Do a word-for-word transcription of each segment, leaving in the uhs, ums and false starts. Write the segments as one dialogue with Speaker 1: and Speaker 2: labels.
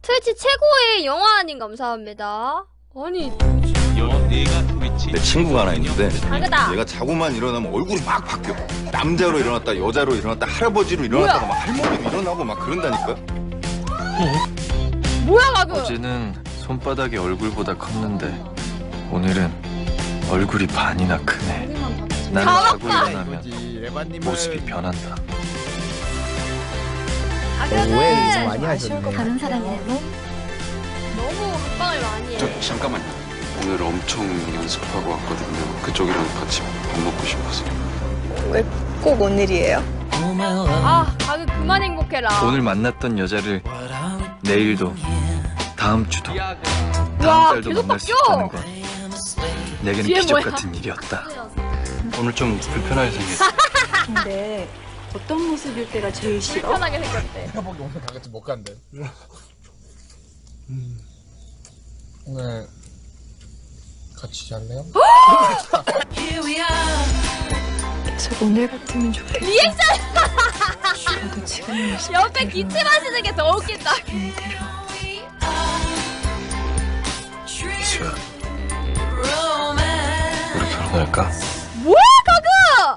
Speaker 1: 트위치 최고의 영화님 감사합니다. 아니
Speaker 2: 내 친구가 하나 있는데
Speaker 1: 다르다.
Speaker 2: 얘가 자고만 일어나면 얼굴이 막 바뀌어. 남자로 일어났다 여자로 일어났다 할아버지로 일어났다가 막 할머니로 일어나고 막 그런다니까.
Speaker 1: 뭐야 가그?
Speaker 3: 어제는 손바닥이 얼굴보다 컸는데 오늘은 얼굴이 반이나 크네. 나는 자고 일어나면 모습이 변한다.
Speaker 1: 가그는
Speaker 4: 많이 하셨네.
Speaker 5: 다른 사람이라면
Speaker 1: 너무 합방을 많이 해.
Speaker 6: 저, 잠깐만요. 오늘 엄청 연습하고 왔거든요. 그쪽이랑 같이 밥 먹고 싶어서.
Speaker 5: 왜 꼭 오늘이에요?
Speaker 1: 아 가그 그만 행복해라.
Speaker 3: 오늘 만났던 여자를 내일도 다음 주도
Speaker 1: 와,
Speaker 3: 다음 달도
Speaker 1: 계속
Speaker 3: 만날 수
Speaker 1: 바뀌어.
Speaker 3: 있다는 건 내게는
Speaker 1: 뒤에
Speaker 3: 기적
Speaker 1: 뭐야?
Speaker 3: 같은 일이었다. 오늘 좀 불편하게 생겼어.
Speaker 5: 근데 어떤 모습일 때가 제일 싫어?
Speaker 1: 불편하게 생겼대.
Speaker 4: 내가 보기 오늘 다 같이 못 간대. 음. 오늘 같이 잘래요?
Speaker 5: 계속 오늘 같으면 좋겠다.
Speaker 1: 리액션!
Speaker 5: 저도 지금
Speaker 1: 옆에 기침하시는 게 더 웃긴다.
Speaker 5: 이대로
Speaker 3: 이수야, 우리 결혼할까?
Speaker 1: 뭐야 가그!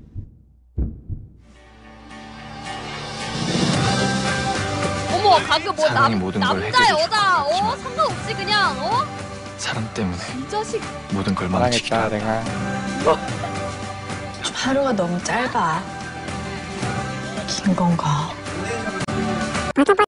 Speaker 1: 어머 가그 뭐
Speaker 3: 사랑이
Speaker 1: 남,
Speaker 3: 모든 걸
Speaker 1: 남자
Speaker 3: 해결해
Speaker 1: 여자
Speaker 3: 줄
Speaker 1: 어
Speaker 3: 거겠지만.
Speaker 1: 상관없이 그냥 어?
Speaker 3: 사람 때문에
Speaker 1: 이 자식
Speaker 3: 모든 걸 망치기도 한다.
Speaker 5: 하루가 너무 짧아. 긴 건가?